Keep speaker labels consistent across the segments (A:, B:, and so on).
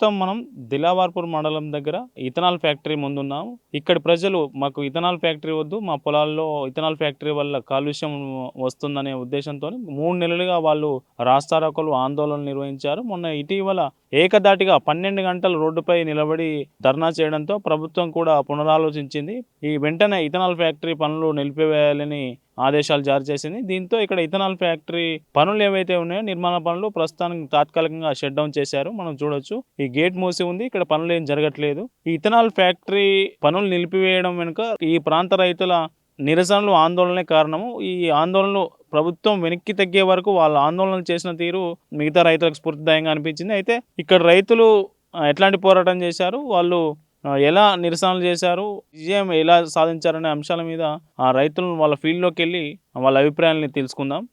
A: ప్రస్తుతం మనం దిలావర్పూర్ మండలం దగ్గర ఇథనాల్ ఫ్యాక్టరీ ముందున్నాం. ఇక్కడి ప్రజలు మాకు ఇథనాల్ ఫ్యాక్టరీ వద్దు, మా పొలాల్లో ఇథనాల్ ఫ్యాక్టరీ వల్ల కాలుష్యం వస్తుందనే ఉద్దేశంతో 3 నెలలుగా వాళ్ళు రాస్తారోకోలు ఆందోళనలు నిర్వహించారు. మొన్న ఇటీవల ఏకధాటిగా 12 గంటలు రోడ్డుపై నిలబడి ధర్నా చేయడంతో ప్రభుత్వం కూడా పునరాలోచించింది. ఈ వెంటనే ఇథనాల్ ఫ్యాక్టరీ పనులు నిలిపివేయాలని ఆదేశాలు జారీ చేసింది. దీంతో ఇక్కడ ఇథనాల్ ఫ్యాక్టరీ పనులు ఏవైతే ఉన్నాయో నిర్మాణ పనులు ప్రస్తుతానికి తాత్కాలికంగా షట్ డౌన్ చేశారు. మనం చూడొచ్చు ఈ గేట్ మూసి ఉంది, ఇక్కడ పనులు ఏం జరగట్లేదు. ఈ ఇథనాల్ ఫ్యాక్టరీ పనులు నిలిపివేయడం వెనుక ఈ ప్రాంత రైతుల నిరసనలు ఆందోళనే కారణము. ఈ ఆందోళనలు ప్రభుత్వం వెనక్కి తగ్గే వరకు వాళ్ళ ఆందోళనలు చేసిన తీరు మిగతా రైతులకు స్ఫూర్తిదాయంగా అనిపించింది. అయితే ఇక్కడ రైతులు ఎట్లాంటి పోరాటం చేశారు, వాళ్ళు ఎలా నిరసనలు చేశారు, విజయం ఎలా సాధించారనే అంశాల మీద ఆ రైతులను వాళ్ళ ఫీల్డ్లోకి వెళ్ళి వాళ్ళ అభిప్రాయాలని తెలుసుకుందాం.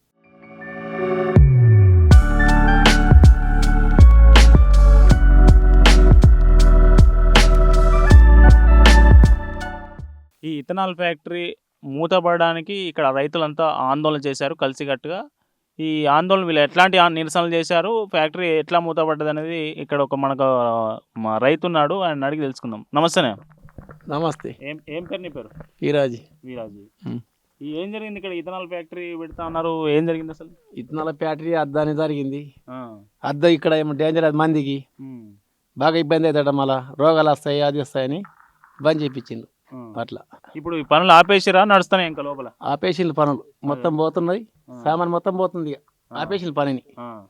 A: ఈ ఇథనాల్ ఫ్యాక్టరీ మూతపడడానికి ఇక్కడ రైతులంతా ఆందోళన చేశారు కలిసికట్టుగా. ఈ ఆందోళన వీళ్ళు ఎట్లాంటి నిరసనలు చేశారు, ఫ్యాక్టరీ ఎట్లా మూతపడ్డది అనేది ఇక్కడ ఒక మనకు మా రైతు ఉన్నాడు, ఆయన అడిగి తెలుసుకుందాం. నమస్తేనే.
B: నమస్తే.
A: ఏం పేరు నీ పేరు?
B: ఈరాజీ.
A: వీరాజీ. ఏం జరిగింది ఇక్కడ? ఇథనాల్ ఫ్యాక్టరీ పెడతా అన్నారు, ఏం జరిగింది అసలు?
B: ఇథనాల్ ఫ్యాక్టరీ అద్దాని జరిగింది. అద్ద ఇక్కడ ఏమో డేంజర్, అది మందికి బాగా ఇబ్బంది అవుతాడ, మళ్ళా రోగాలు వస్తాయి, అది వస్తాయని బంద్ చేయించిండు. అట్లా
A: ఇప్పుడు ఈ పనులు ఆపేసిరా, నడుస్తున్నాయి ఇంకా లోపల?
B: ఆపేసిండు పనులు, మొత్తం పోతున్నాయి, సామాన్ మొత్తం పోతుంది. ఆపేసిండు పనిని.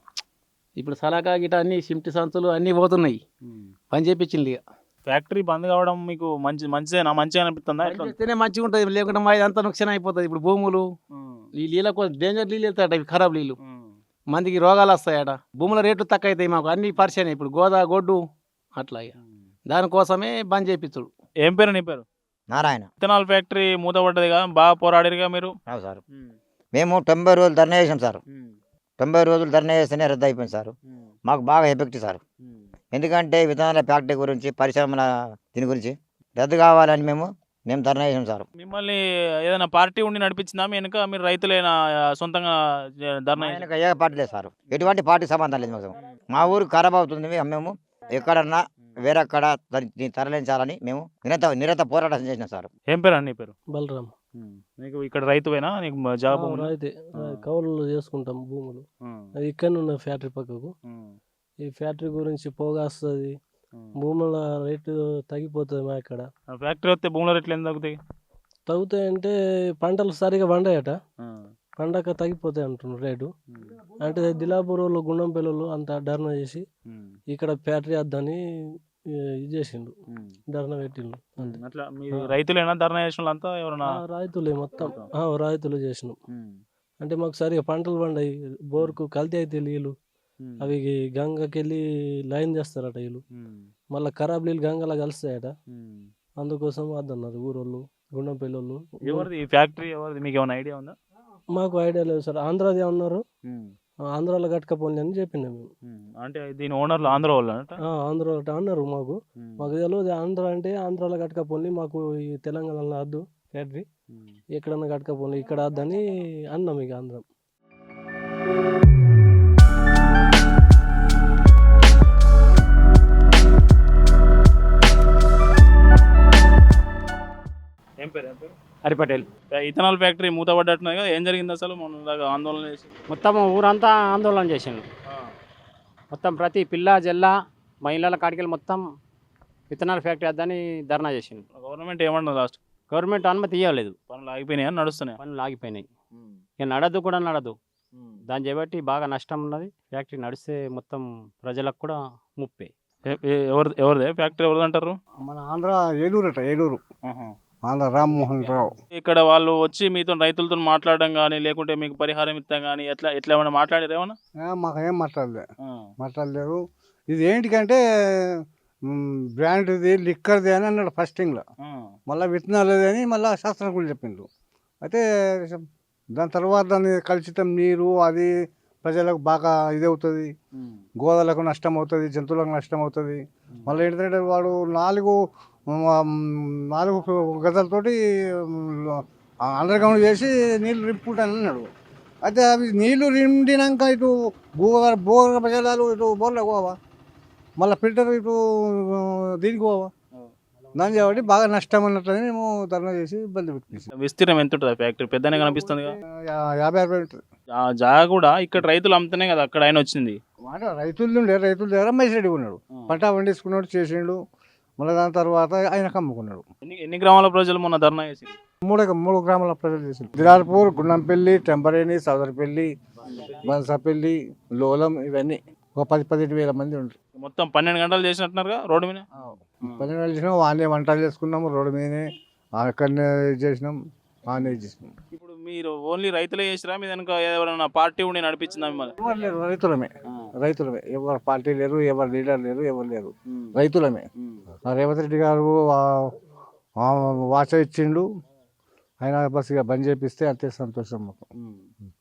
B: ఇప్పుడు సలాకా గిట అన్ని సిమ్టి సంచులు అన్ని పోతున్నాయి, పని చేయించింది. ఇక
A: ఫ్యాక్టరీ బంద్ కావడం మీకు మంచిగా అనిపిస్తుందా?
B: చేస్తేనే మంచిగా ఉంటుంది, లేకుంటే మా ఇదంతా నుక్సాన్ అయిపోతుంది. ఇప్పుడు భూములు ఈ నీళ్ళ కోసం డేంజర్ నీళ్ళు వెళ్తాయట, ఇవి ఖరాబ్ నీళ్ళు, మందికి రోగాలు వస్తాయట, భూముల రేట్లు తక్కువ అవుతాయి, మాకు అన్ని పరిచయం. ఇప్పుడు గొడ్డు అట్లా, దానికోసమే బంద్ చేయించుడు.
A: ఏం పేరు నీ పేరు?
C: నారాయణ.
A: ఇథనాల్ ఫ్యాక్టరీ మూతపడ్డది కదా, బాగా పోరాడిరుగా మీరు?
C: సార్ మేము 90 రోజులు ధర్నా చేసాం సార్. 90 రోజులు ధర్నా చేస్తేనే రద్దు అయిపోయింది సార్. మాకు బాగా ఎఫెక్ట్ సార్. ఎందుకంటే విత్తనాల ఫ్యాక్టరీ గురించి, పరిశ్రమల దీని గురించి రద్దు కావాలని మేము ధర్నా చేసాం సార్.
A: మిమ్మల్ని ఏదైనా పార్టీ ఉండి నడిపించిందా వెనుక? మీరు రైతులైనా సొంతంగా ధర్నా?
C: ఏ పార్టీ లేదు సార్, ఎటువంటి పార్టీ సంబంధం లేదు మాకు. మా ఊరు ఖరాబ్ అవుతుంది, మేము ఎక్కడన్నా వేరక్కడ తరలించాలని మేము నిరత పోరాటం చేసినాం సార్.
A: ఏం పేరు అన్ని పేరు?
D: బలరాం.
A: నీకు ఇక్కడ రైతువేనా? నీకు జాబ్?
D: అయితే కౌలు చేసుకుంటాం భూములు. అది ఇక్కడ ఉన్న ఫ్యాక్టరీ పక్కకు. ఈ ఫ్యాక్టరీ గురించి పోగాస్తుంది, భూముల రేటు తగ్గిపోతుంది. మా ఇక్కడ
A: ఫ్యాక్టరీ వస్తే భూముల రేట్లు ఎంత తగ్గుతాయి?
D: తగ్గుతాయంటే పంటలు సరిగా పండాయట, పండగ తగ్గిపోతాయి అంటున్నారు రేటు. అంటే దిలాపూర్లో గుండం పిల్లలు అంతా ధర్నా చేసి ఇక్కడ ఫ్యాక్టరీ వద్దని ఇది చేసిండు, ధర్నా పెట్టిండు.
A: అట్లా రైతులేనా ధర్నా చేసిన అంతా? ఎవరన్నా
D: రైతులే మొత్తం, రైతులు చేసినాం. అంటే మాకు సరిగా పంటలు పండాయి, బోర్కు కల్తీ అయితే నీళ్ళు, అవి గంగకి వెళ్ళి లైన్ చేస్తారట వీళ్ళు, మళ్ళీ ఖరాబ్ నీళ్ళు గంగలా కలుస్తాయట. అందుకోసం వద్దన్నారు ఊరోళ్ళు, గుండం పిల్లలు.
A: ఎవరిది ఫ్యాక్టరీ? ఎవరిది మీకు ఏమైనా ఐడియా ఉందా?
D: మాకు ఐడియా లేదు సార్. ఆంధ్రాది ఉన్నారు, ఆంధ్రాలో కట్టకపోండి అని చెప్పినాం మేము.
A: అంటే దీని ఓనర్లు ఆంధ్ర వాళ్ళు?
D: ఆంధ్ర అన్నారు మాకు తెలియదు. ఆంధ్ర అంటే ఆంధ్రాలో కట్టకపోండి, మాకు ఈ తెలంగాణలో వద్దు ఫ్యాక్టరీ, ఎక్కడన్నా కట్టకపోండి, ఇక్కడ వద్దని అన్నాం. ఇక ఆంధ్ర
A: ఏం పేరు?
B: హరిపటేల్.
A: ఇథనాల్ ఫ్యాక్టరీ మూతపడ్డట్టున్నది కదా, ఏం జరిగింది అసలు? మొన్న ఆందోళన చేసి
B: మొత్తం ఊరంతా ఆందోళన చేసిండు. మొత్తం ప్రతి పిల్ల జల్ల మహిళల కాడికెళ్ళి మొత్తం ఇథనాల్ ఫ్యాక్టరీ వద్దని ధర్నా చేసిండు.
A: గవర్నమెంట్ ఏమన్నా లాస్ట్?
B: గవర్నమెంట్ అనుమతి ఇవ్వలేదు.
A: పనులు ఆగిపోయినాయి, నడుస్తున్నాయి.
B: పనులు ఆగిపోయినాయి, ఇక నడదు కూడా నడదు. దాన్ని చేపట్టి బాగా నష్టం ఉన్నది. ఫ్యాక్టరీ నడిస్తే మొత్తం ప్రజలకు కూడా ముప్పే.
A: ఎవరిదే ఫ్యాక్టరీ? ఎవరిది అంటారు?
E: మన ఆంధ్ర ఏలూరు ఆంధ్ర రామ్మోహన్ రావు.
A: ఇక్కడ వాళ్ళు వచ్చి మీతో రైతులతో మాట్లాడడం కానీ, లేకుంటే మీకు పరిహారం ఇస్తాం కానీ ఎట్లా ఏమైనా మాట్లాడారు? ఏమన్నా
E: మాకు ఏం మాట్లాడలేదు. ఇది ఏంటికంటే బ్రాండ్ది, లిక్కర్ది అని అన్నాడు ఫస్టింగ్లో. మళ్ళీ విత్తనాలు అని మళ్ళీ శాస్త్రజ్ఞులు చెప్పిండ్రు. అయితే దాని తర్వాత దాన్ని కలుషితం నీరు అది ప్రజలకు బాగా ఇది అవుతుంది, గోదలకు నష్టం అవుతుంది, జంతువులకు నష్టం అవుతుంది. మళ్ళీ ఏంటంటే వాడు 4 గజాలతోటి అండర్ గ్రౌండ్ చేసి నీళ్ళు రింపుకుంటాను అన్నాడు. అయితే అవి నీళ్లు నిండినాక ఇటు భూగర్భ జలాలు ఇటు బోర్లకు పోవా, మళ్ళీ ఫిల్టర్ ఇటు దీనికి పోవా దాని కాబట్టి బాగా నష్టం అన్నట్లని మేము ధర్నా చేసి ఇబ్బంది పెట్టేసి
A: విస్తీర్ణం ఎంత ఉంటుంది ఫ్యాక్టరీ పెద్దనే కనిపిస్తుంది
E: 50-60 ఉంటుంది.
A: ఆ జాగా కూడా ఇక్కడ రైతులు అమ్ముతనే కదా అక్కడ ఆయన వచ్చింది.
E: మాట రైతుల దగ్గర మైసిరెడ్డి ఉన్నాడు, పంట పండించుకున్నాడు చేసిండు. మళ్ళీ దాని తర్వాత ఆయనకు అమ్ముకున్నాడు.
A: ఎన్ని గ్రామాల ప్రజలు మొన్న ధర్నా చేసింది?
E: 3 గ్రామాల ప్రజలు చేసిండు. దిరార్పూర్, గుండంపల్లి, టెంపరేణి, సౌదరపల్లి, బన్సపల్లి, లోలం ఇవన్నీ ఒక 10-15 వేల మంది ఉంటారు.
A: మొత్తం 12 గంటలు చేసినట్టున్నారుగా రోడ్డు మీద.
E: 12 గంటలు చేసినాం, వానే వంటలు చేసుకున్నాము, రోడ్డు మీదనే అక్కడనే చేసినాం, వానే చేసినాం.
A: ఇప్పుడు మీరు ఓన్లీ రైతులే చేసిరా మీ వెనక ఎవరైనా పార్టీ ఉండి నడిపించిందా మిమ్మల్ని?
E: ఎవరు లేరు, రైతులమే. ఎవరు పార్టీ లేరు, ఎవరు లీడర్ లేరు, ఎవరు లేరు, రైతులమే. రేవంత్ రెడ్డి గారు వాచ ఇచ్చిండు, ఆయన బస్ ఇక బంద్ చేపిస్తే అంతే సంతోషం మాకు.